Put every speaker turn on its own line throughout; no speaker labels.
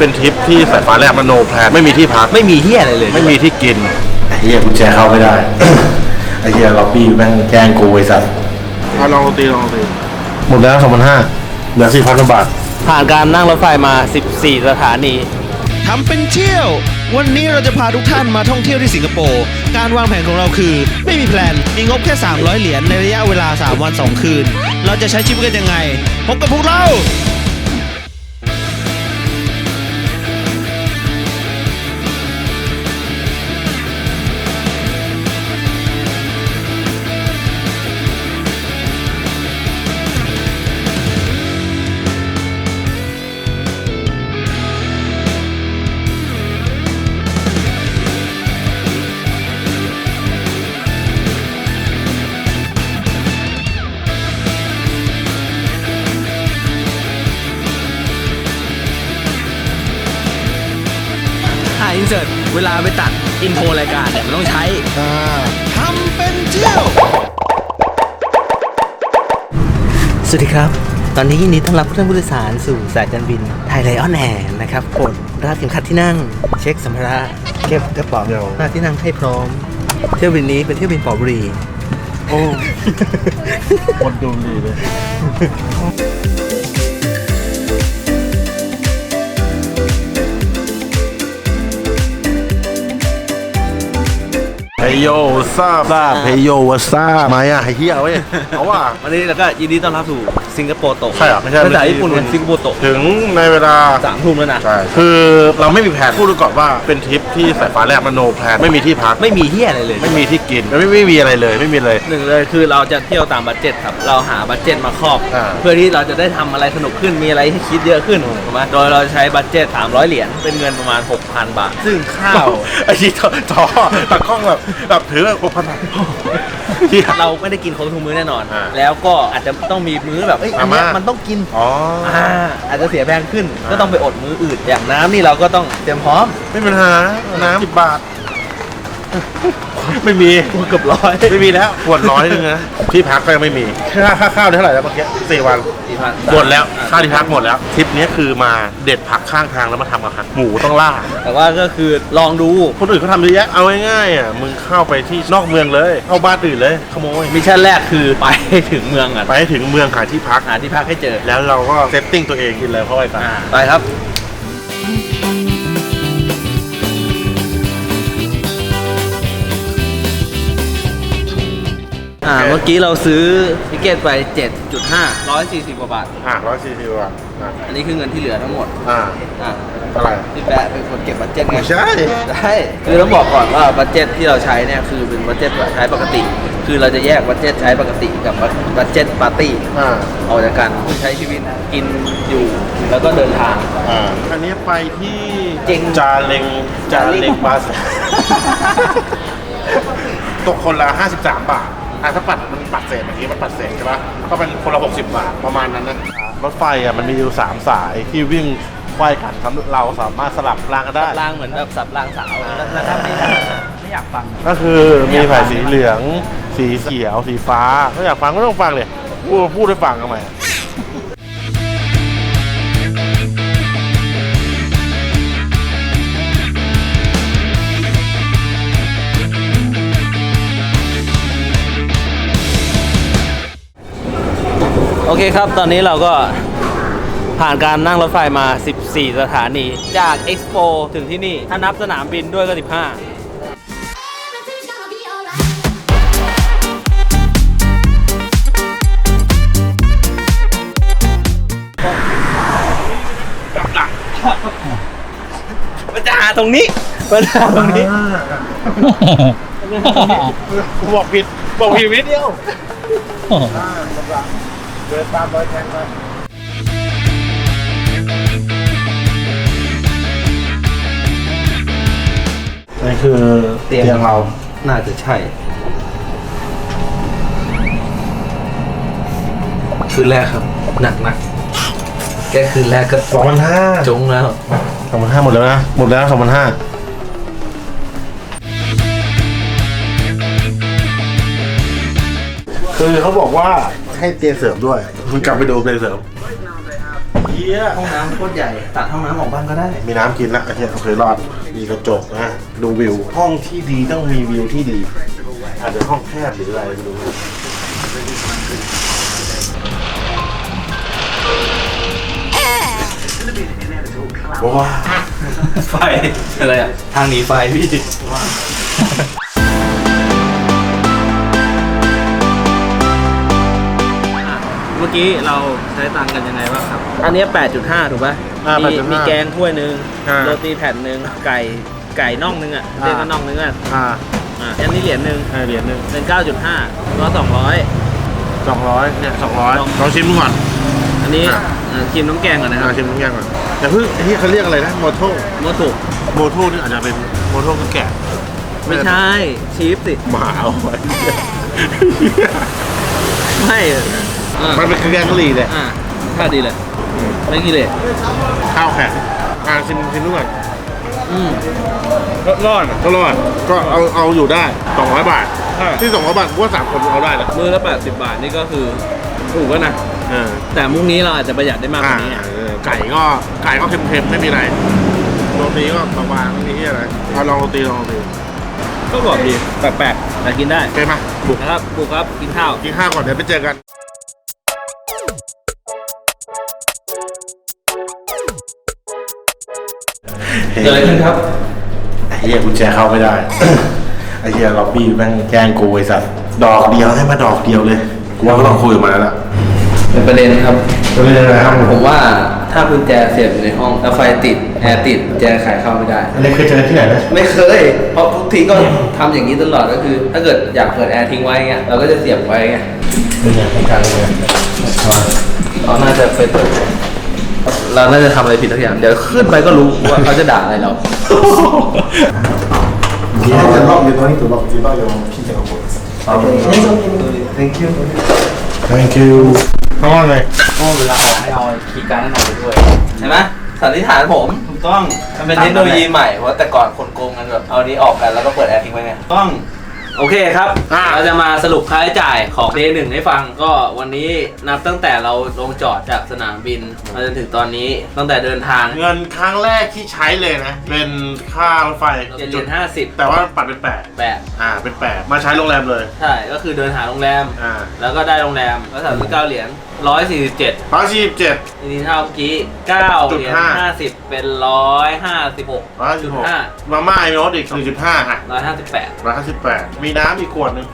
เป็นทริปที่สายฟ้าแลบมโนแพลนไม่มีที่พัก
ไม่มีเฮียอะไรเลย
ไม่มีที่กินไอ้เหี้ยกุญแจเข้าไม่ได้ ไอ้เหี้ยล็อบบี้แม่งแกล้งกูไอ้สัตว์ลองตีหมดแล้ว2,500เหลือ 4,000 บาท
ผ่านการนั่งรถไฟมา14สถานี
ทำเป็นเที่ยววันนี้เราจะพาทุกท่านมาท่องเที่ยวที่สิงคโปร์การวางแผนของเราคือไม่มีแพลนมีงบแค่300เหรียญในระยะเวลา3วัน2คืนเราจะใช้ชีวิตกันยังไงพบกับพวกเราอินเสิร์ตเวลาไปตัดอินโทรรายการเนี่ยมันต้องใช้ทำเป็นเที่ยวสวัสดีครับตอนนี้ยินดีต้อนรับท่านผู้โดยสารสู่สายการบินไทยไลออนแอร์นะครับกดรัดเข็มขัดที่นั่งเช็คสัมภาระเก็บกระเป๋าหน้าที่นั่งให้พร้อมเที่ยวบินนี้เป็นเที่ยวบินปอบุรี
โอ้คนดูดีเลยเฮโยซาบเฮโยวาซามาอ่ะไอ้เหี้ยเว้ยเอาว่า
วันนี้เราก็ยินดีต้อนรับสู่สิงคโปร์โตะ
ใช่หรอไม่ใช่
ภาษาญี่ปุ่นเป็นสิงคโปร์โตะ
ถึงในเวลา
3 ทุ่มแล้วนะ
ใช่คือเราไม่มีแผนพูดก่อนว่าเป็นทริปที่สายฟ้าแลบมโนแพลนไม่มีที่พัก
ไม่มีเฮียอะไรเลย
ไม่มีที่กินไม่มีอะไรเลยไม่มีเลย
หนึ่งเลยคือเราจะเที่ยวตามบัดเจ็ตครับเราหาบัดเจ็ตมาครอบเพื่อที่เราจะได้ทำอะไรสนุกขึ้นมีอะไรให้คิดเยอะขึ้นถูกไหมโดยเราใช้บัดเจ็ต300เหรียญเป็นเงินประมาณ 6,000 บาทซึ่งข้าว
ไอ้ที่จอตากล้องแบบถือแบบ6,000 บาท
เราไม่ได้กินครบทุกมื้อแน่นอนแล้วก็อาจจะต้องมีมื้อแบบอันนี้มันต้องกินอาจจะเสียแพงขึ้นก็ต้องไปอดมื้ออื่นอย่างน้ำนี่เราก็ต้องเตรียมพร้อม
ไม่เป็นปัญหาน้ำ10 บาทไม่มี
เกือบ100
ไม่มีแล้วขวด100นึงนะที่พักก็ยังไม่มีค่าข้าวเท่าไหร่แล้วเมื่อกี้4 วันหมดแล้วค่าที่พักหมดแล้วทริปนี้คือมาเด็ดผักข้างทางแล้วมาทำอาหารหมูต้องล่า
แต่ว่าก็คือลองดู
คนอื่นเขาทำเยอะแยะเอาง่ายๆอ่ะมึงเข้าไปที่นอกเมืองเลยเข้าบ้านอื่นเลยขโมย
มิชชั่นแรกคือไปถึงเมือง
ไปถึงเมืองหาที่พัก
ให้เจอ
แล้วเราก็เซตติ้งตัวเองกินเลยเพราะอะไร
ไปครับเมื่อกี้เราซื้อทิเกตไป 7.5 140 กว่าบาท
140 บาท
อันนี้คือเงินที่เหลือทั้งหมด
เท่าไหร่
พี่แปะเป็นคนเก็บบัดเจ็ตไง
ใช่
คือต้องบอกก่อนว่าบัดเจ็ตที่เราใช้เนี่ยคือเป็นบัดเจ็ตใช้ปกติคือเราจะแยกบัดเจ็ตใช้ปกติกับบัดเจ็ตปาร์ตี้ออกจากกันคือใช้ชีวิตกินอยู่แล้วก็เดินทาง
อันนี้ไปที่
จา
เล็งบาสตกคนละ53 บาทถ้ามันปัดเศษเมื่อกี้มันปัดเศษใช่ปะก็เป็นคนละ60 บาทประมาณนั้นนะรถไฟมันมีอยู่3 สายที่วิ่งไขว้กันเราสามารถสลับรางกันได้
รางเหมือนแบบสับรางสาวนะครับไม่อยากฟัง
ก็คือมีสายสีเหลืองสีเขียวสีฟ้าถ้าอยากฟังก็ต้องฟังเลยพูดให้ฟังทำไม
โอเคครับตอนนี้เราก็ผ่านการนั่งรถไฟมา14สถานีจากเอ็กซ์โปถึงที่นี่ถ้านับสนามบินด้วยก็15มันจะหาตรงนี้
บอกผิดนิดเดียวเดินตามรอยแทงมานี่คือเตียงเรา
น่าจะใช่คืนแรกครับหนักนะแค่คืนแรกก็
2,500
จงแล้ว
2,500หมดแล้วนะ2,500คือเขาบอกว่าให้เตียงเสริมด้วยคุณกลับไปดูเตียงเสริมเหี้ย
ห้องน้ำโคตรใหญ่ตัดห้องน้ำออกบ้างก็ได้
มีน้ำกินละไอ้เหี้ยโอเครอดมีกระจกนะดูวิวห้องที่ดีต้องมีวิวที่ดีอาจจะห้องแคบหรืออะไรไม่รู้ว้า
ไฟอะไรอ่ะทางหนีไฟพี่เมื่อกี้เราใช้ตังค์กันยังไงบ้างครับ อันนี้ 8.5 ถูกป่ะมีแกงถ้วยนึงโรตีแผ่นนึงไก่น่องนึงอ่ะเรียกว่าน่องนึงอ่ะอันนี้เหรียญนึงเป็น 9.5 ก็200
เนี่ย200ลองชิมดูก่อน
อันนี้ชิมน้ำแกงก่อนนะครับ
ชิมน้ำแกงก่อนแต่เพิ่งที่เขาเรียกอะไรนะโมโต้
โมตุ
นี่อาจจะเป็นโมโต้คือแกะ
ไม่ใช่ชีฟสิ
หมาเอาไว้
ไม่
มันเป็นแกงกะหรี่เลย
ท่าดีเลยไม่กี่เลย
ข้าวแข็งชิมดูก่อน ก็รอดก็เอาอยู่ได้200 บาทที่200 บาทกูว่า3 คนเอาได้นะ
มื้อละ80 บาทนี่ก็คือถูกแล้วนะแต่มุ้งนี้เราอาจจะประหยัดได้มากกว่านี้
ไก่ก็เค็มๆไม่มีอะไรโรตีก็บางๆไม่มีที่อะไรเอาลองโรตี
ก็บอกดีแปลกๆแต่กินได้
โอเคมาบุก
นะครับบุกครับกินข้าว
ก่อนเดี๋ยวไปเจอกัน
เกิดอะไรขึ้นครับ
ไอ้เหี้ยกุญแจเข้าไม่ได้ ไอ้เหี้ยล็อบบี้แม่งแกล้งกูไอ้สัตว์ดอกเดียวให้มาดอกเดียวเลยกูว่าก็ต้องคุยกับมันแล้วล่ะ
เป็นประเด็นครับ
จะเป็นยังไงครับ
ผมว่าถ้ากุญแจเสียบอยู่ในห้องแล้วไฟติดแอร์ติดกุญแจไขเข้าไม่ได้
อันนี้เคยเจอที่ไหนนะ
ไม่เคยเพราะทุกทีก็ทำอย่างนี้ตลอดก็คือ ถ้าเกิดอยากเปิดแอร์ทิ้งไว้เงี้ยเราก็จะเสียบไว้ไง
เป็นยังไงการเลย
เขาน่าจะไปเปิดเราน่าจะทำอะไรผิดทุกอย่างเดี๋ยวขึ้นไปก็รู้ว่าเขาจะด่าอะไรเรา
You don't need to lock it, your key can open. Thank you.
Thank you ข้างล่างเลย
ก็เวลาออกให้เอาคีย์การ์ดนั่นออกไปด้วยใช่ไหมสันนิษฐานผมถูกต้องมันเป็นเทคโนโลยีใหม่เพราะแต่ก่อนคนโกงกันแบบเอานี้ออกกันแล้วก็เปิดแอร์ทิ้งไว้ไงต้องโอเคครับเราจะมาสรุปค่าใช้จ่ายของ Day 1ให้ฟังก็วันนี้นับตั้งแต่เราลงจอดจากสนามบินมาจนถึงตอนนี้ตั้งแต่เดินทาง
เงินครั้งแรกที่ใช้เลยนะ เป็นค่ารถไฟ
7.50
แต่ว่าปัดเป็น8เป็น8มาใช้โรงแรมเลย
ใช่ก็คือเดินหาโรงแรม แล้วก็ได้โรงแรมก็39 เหรียญ147
147
ทีนี้เท่าเมื่อกี้9เหรียญ50เป็น156.5
มาม่าไอโนตอีก 1.5 อ่ะ
158
มีน้ำอีกขวดหนึ่ง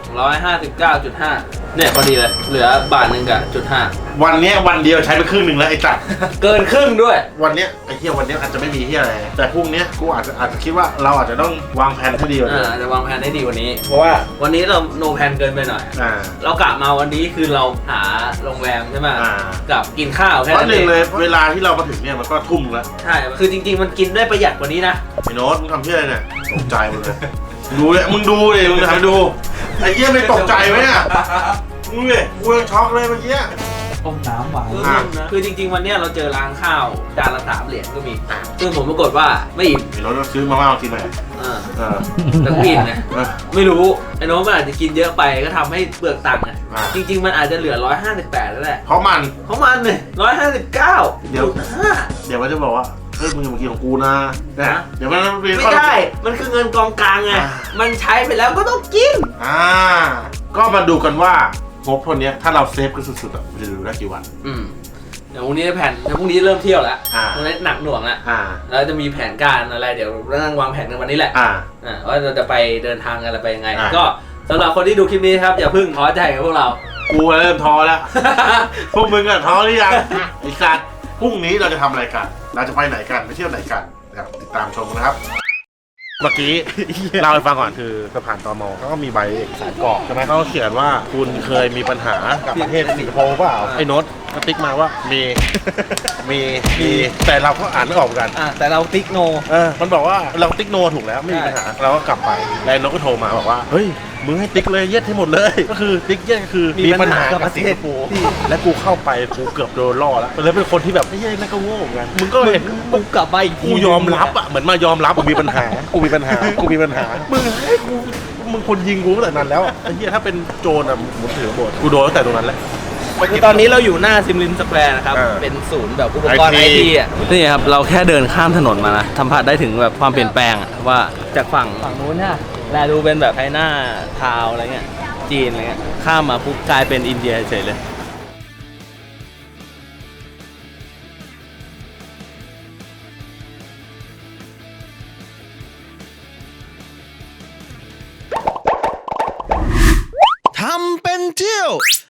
159.5เนี่ยพอดีเลยเหลือบาทหนึ่งกับ0.5
วันเนี้ยวันเดียวใช้ไปครึ่งหนึ่งแล้วไอ้จัด
เกินครึ่งด้วย
วันเนี้ยไอ้เหี้ยวันเนี้ยอาจจะไม่มีเหี้ยอะไรแต่พรุ่งเนี้ยกูอาจจะคิดว่าเราอาจจะต้องวางแผนให้ดีกว่านี้
อาจจะวางแผนได้ดีกว่านี้เพราะว่าวันนี้เราโนแผนเกินไปหน่อยเรากะมาวันนี้คือเราหาโรงแรมใช่ไหมกับกินข้าวแค่
เพราะ
นั้น
หนึ่
เองง
เลยเวลาที่เรามาถึงเนี่ยมันก็ทุ่มแล้ว
ใช่คือจริงๆมันกินได้ประหยัดกว่านี้นะ
ไอ้โน้ตมึงทำเหี้ยอะไรเนี่ยตกใจหมดเลยดูเลยมึงดูเลยมึงทำดูไอ้เหี้ยไม่ตกใจไหมอ่ะมึงเลยกูยังช็อกเลยเมื่อกี้
ต้มน้ำหวาน
คือจริงๆวันเนี้ยเราเจอร้านข้าวจานละ3 เหรียญก็มีซึ่งผมปรากฏว่าไม่อิ่ม
ไอ้โน้ตซื้อมาม่ามากินไหม
แต่กูอิ่มนะไม่รู้ไอ้น้องมันอาจจะกินเยอะไปก็ทำให้เปลือกตังค์อ่ะจริงๆมันอาจจะเหลือ158แล้วแหละ
เพราะมัน
เนี่ย159.5
เดี๋ยวมันจะบอกว่าเฮ้ยมึงอย่ามากินของกูนะเดี๋ยวมัน
ไม่ได้มันคือเงินกองกลางไงมันใช้ไปแล้วก็ต้องกิน
ก็มาดูกันว่างบคนนี้ถ้าเราเซฟกันสุดๆอ่ะจะดูได้กี่วัน
เดี๋ยวพรุ่งนี้แผนเดี๋ยวพรุ่งนี้เริ่มเที่ยวแล้วพรุ่งนี้หนักหน่วงแล้วแล้วจะมีแผนการอะไรเดี๋ยวเรานั่งวางแผนกันวันนี้แหละว่าเราจะไปเดินทางกันอะไรไปยังไงก็สำหรับคนที่ดูคลิปนี้ครับอย่าเพิ่งท้อใจกับพวกเรา
กูเริ่มท้อแล้ว พวกมึงอะท้อหรือยังไอ้สัตว์พรุ่งนี้เราจะทำอะไรกันเราจะไปไหนกันไปเที่ยวไหนกันติดตามชมนะครับเมื่อกี้เล่าให้ฟังก่อนคือสะพานตม.เขาก็มีใบเอกสารกรอกใช่ไหมเขาเขียนว่าคุณเคยมีปัญหากับประเทศสิงคโปร์เปล่าไอ้โน้ตก็ติ๊กมาว่ามีแต่เราก็อ่านไม่ออกกัน
แต่เราติ๊กโน
มันบอกว่าเราติ๊กโนถูกแล้วไม่มีปัญหาเราก็กลับไปแล้วโน้ตก็โทรมาบอกว่าเฮ้ยมึงให้ติ๊กเลยเย็ดให้หมดเลยก็คือติ๊กเย็ดก็คือมีปัญหากับประเทศกูและกูเข้าไปกูเกือบโดนล่อแล้วเลยเป็นคนที่แบบไม่ใช่นั่นก็โง่เหมือนกันมึงก็เห็น
กูกลับไป
กูยอมรับอ่ะเหมือนมายอมรับกูมีปัญหามึงคนยิงกูตั้งแต่นั้นแล้วไอ้เหี้ยถ้าเป็นโจรอ่ะมึงถือบทกูโดนตั้งแต่ตรงนั้นแหละ
คือตอนนี้เราอยู่หน้าซิมลินสแควร์นะครับ เป็นศูนย์แบบอุปกรณ์ไอ
IT
ทีอ่ะ นี่ครับ เราแค่เดินข้ามถนนมานะสัมผัสได้ถึงแบบความเปลี่ยนแปลงอะว่าจากฝั่งนู้นเนี่ยแลดูเป็นแบบไชน่าทาวน์อะไรเงี้ย จีนอะไรเงี้ย ข้ามมาปุ๊บกลายเป็นอินเดียเฉยเลย
ทำเป็นเที่ยว